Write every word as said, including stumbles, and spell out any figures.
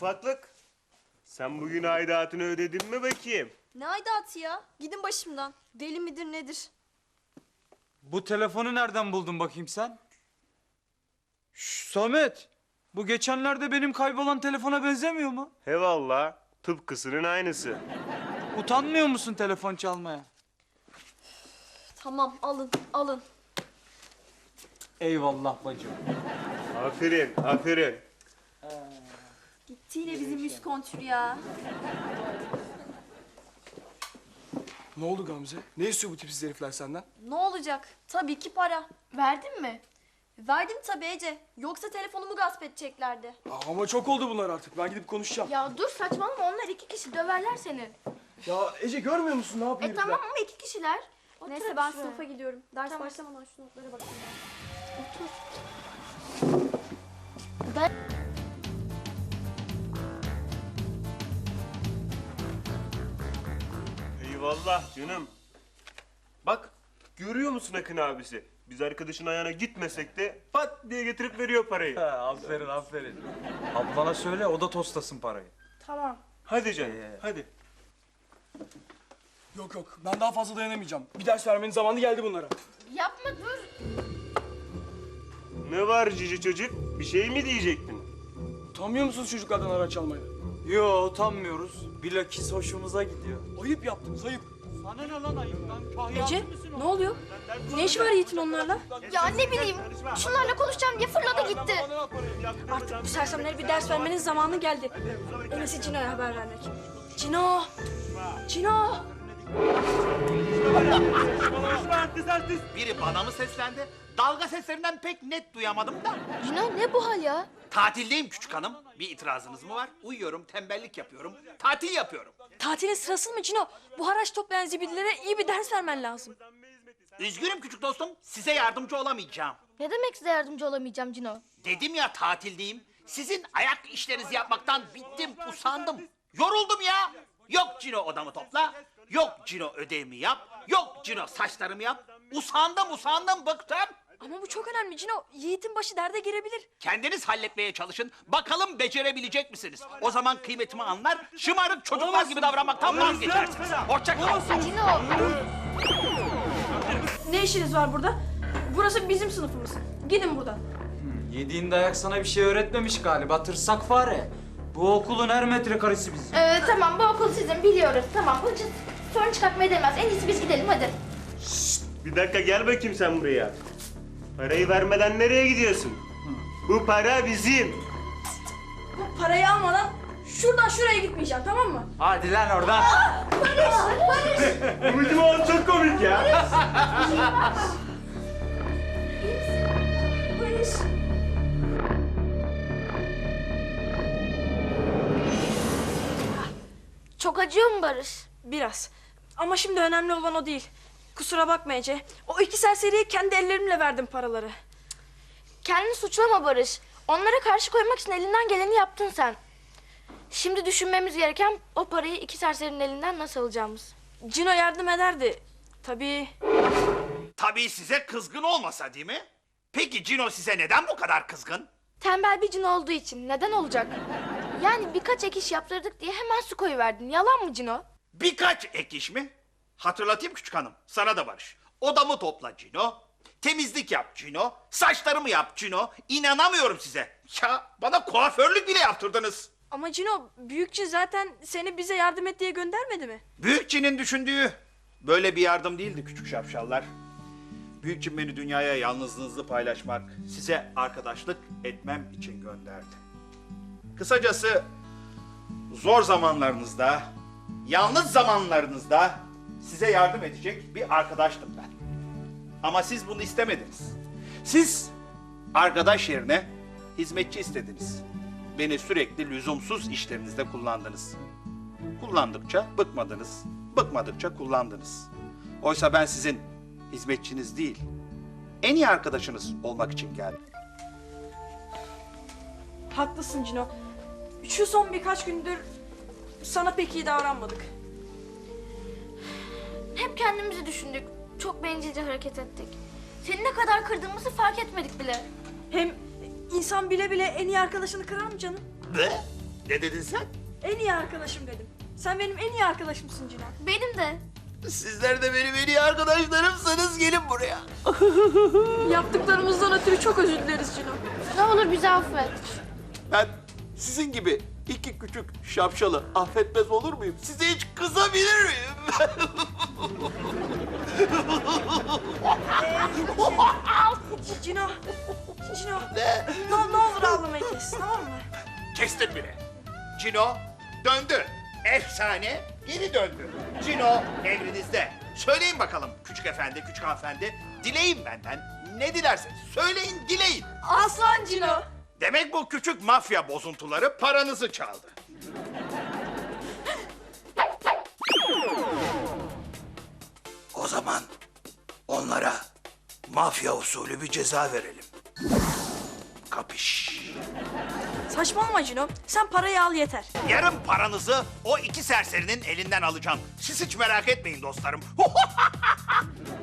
Ufaklık, sen bugün aidatını ödedin mi bakayım? Ne aidatı ya? Gidin başımdan. Deli midir nedir? Bu telefonu nereden buldun bakayım sen? Şş, Samet, bu geçenlerde benim kaybolan telefona benzemiyor mu? He valla, tıpkısının aynısı. Utanmıyor musun telefon çalmaya? Tamam alın alın. Eyvallah bacım. Aferin, aferin. Gitti yine bizim üst kontür ya. Ne oldu Gamze? Ne istiyor bu tipsiz herifler senden? Ne olacak? Tabii ki para. Verdin mi? Verdim tabii Ece. Yoksa telefonumu gasp edeceklerdi. Aa, ama çok oldu bunlar artık. Ben gidip konuşacağım. Ya, Ya dur saçmalama, onlar iki kişi, döverler seni. Ece görmüyor musun ne yapıyor E herifler? tamam ama iki kişiler. Otur Neyse hadi ben şuraya. sınıfa gidiyorum. Ders Tamam. başlamadan şu notlara bakayım. Otur. Ben... Eyvallah canım. Bak, görüyor musun Akın abisi? Biz arkadaşın ayağına gitmesek de pat diye getirip veriyor parayı. Ha, aferin aferin. Ablana söyle, o da tostasın parayı. Tamam. Hadi canım, Ee. hadi. Yok yok, ben daha fazla dayanamayacağım. Bir ders vermenin zamanı geldi bunlara. Yapma dur. Ne var cici çocuk? Bir şey mi diyecektin? Utanmıyor musunuz çocuklardan araç almaya? Yo, utanmıyoruz. Bilakis hoşumuza gidiyor. Ayıp yaptınız, ayıp. Sana ne lan ayıptan? Ece ne oluyor? Ne iş var Yiğit'in onlarla? Ya ne bileyim, şunlarla konuşacağım diye fırladı gitti. Artık bu sersemlere bir ders vermenin zamanı geldi. En iyisi Cino'ya haber vermek. Cino! Cino! Biri bana mı seslendi? Dalga seslerinden pek net duyamadım da. Cino ne bu hal ya? Tatildeyim küçük hanım. Bir itirazınız mı var? Uyuyorum, tembellik yapıyorum. Tatil yapıyorum. Tatilin sırası mı Cino? Bu haraç toplayan zibidilere iyi bir ders vermen lazım. Üzgünüm küçük dostum. Size yardımcı olamayacağım. Ne demek size yardımcı olamayacağım Cino? Dedim ya tatildeyim. Sizin ayak işlerinizi yapmaktan bittim, usandım. Yoruldum ya. Yok Cino odamı topla. Yok Cino ödevimi yap. Yok Cino saçlarımı yap. Usandım, usandım, bıktım. Ama bu çok önemli Cino. Yiğit'in başı derde girebilir. Kendiniz halletmeye çalışın. Bakalım becerebilecek misiniz? O zaman kıymetimi anlar, şımarık çocuklar gibi davranmaktan vazgeçersiniz. Hoşça kalın. Cino! Ne işiniz var burada? Burası bizim sınıfımız. Gidin buradan. Yediğin dayak sana bir şey öğretmemiş galiba, tırsak fare. Bu okulun her metrekaresi bizim. Ee, tamam bu okul sizin, biliyoruz. Tamam bu hiç sorun çıkartmaya değmez. En iyisi biz gidelim hadi. Bir dakika gel bakayım sen buraya. Parayı vermeden nereye gidiyorsun? Bu para bizim. Bu parayı almadan şuradan şuraya gitmeyeceğim, tamam mı? Hadi lan oradan. Bu bizim oğlum çok komik ya. Barış. Çok acıyor mu Barış? Biraz. Ama şimdi önemli olan o değil. Kusura bakma Ece. O iki serseriye kendi ellerimle verdim paraları. Kendini suçlama Barış. Onlara karşı koymak için elinden geleni yaptın sen. Şimdi düşünmemiz gereken o parayı iki serserinin elinden nasıl alacağımız. Cino yardım ederdi. Tabii. Tabii size kızgın olmasa değil mi? Peki Cino size neden bu kadar kızgın? Tembel bir cin olduğu için neden olacak? Yani birkaç ek iş yaptırdık diye hemen su koyuverdin. Yalan mı Cino? Birkaç ek iş mi? Hatırlatayım küçük hanım, sana da Barış. Odamı topla Cino, temizlik yap Cino, saçlarımı yap Cino. İnanamıyorum size. Ya bana kuaförlük bile yaptırdınız. Ama Cino, büyükçe zaten seni bize yardım et diye göndermedi mi? Büyükçinin düşündüğü böyle bir yardım değildi küçük şapşallar. Büyükçin beni dünyaya yalnızlığınızı paylaşmak, size arkadaşlık etmem için gönderdi. Kısacası zor zamanlarınızda, yalnız zamanlarınızda size yardım edecek bir arkadaştım ben. Ama siz bunu istemediniz. Siz arkadaş yerine hizmetçi istediniz. Beni sürekli lüzumsuz işlerinizde kullandınız. Kullandıkça bıkmadınız, bıkmadıkça kullandınız. Oysa ben sizin hizmetçiniz değil, en iyi arkadaşınız olmak için geldim. Haklısın Cino. Şu son birkaç gündür sana pek iyi davranmadık. Hep kendimizi düşündük. Çok bencilce hareket ettik. Seni ne kadar kırdığımızı fark etmedik bile. Hem insan bile bile en iyi arkadaşını kırar mı canım? Be? Ne dedin sen? En iyi arkadaşım dedim. Sen benim en iyi arkadaşımsın Cino. Benim de. Sizler de benim en iyi arkadaşlarımsınız. Gelin buraya. Yaptıklarımızdan ötürü çok özür dileriz Cino. Ne olur bizi affet. Ben sizin gibi iki küçük şapşalı affetmez olur muyum? Size hiç kızabilir miyim? Cino. Cino. Ne? Ne, ne olur ağlamayı kes, tamam mı? Kestim bile. Cino döndü. Efsane geri döndü. Cino emrinizde. Söyleyin bakalım küçük efendi, küçük hanımefendi. Dileyin benden. Ne dilerseniz söyleyin, dileyin. Aslan Cino. Demek bu küçük mafya bozuntuları paranızı çaldı. O zaman onlara mafya usulü bir ceza verelim. Kapış. Saçmalama Cino. Sen parayı al yeter. Yarın paranızı o iki serserinin elinden alacağım. Siz hiç merak etmeyin dostlarım.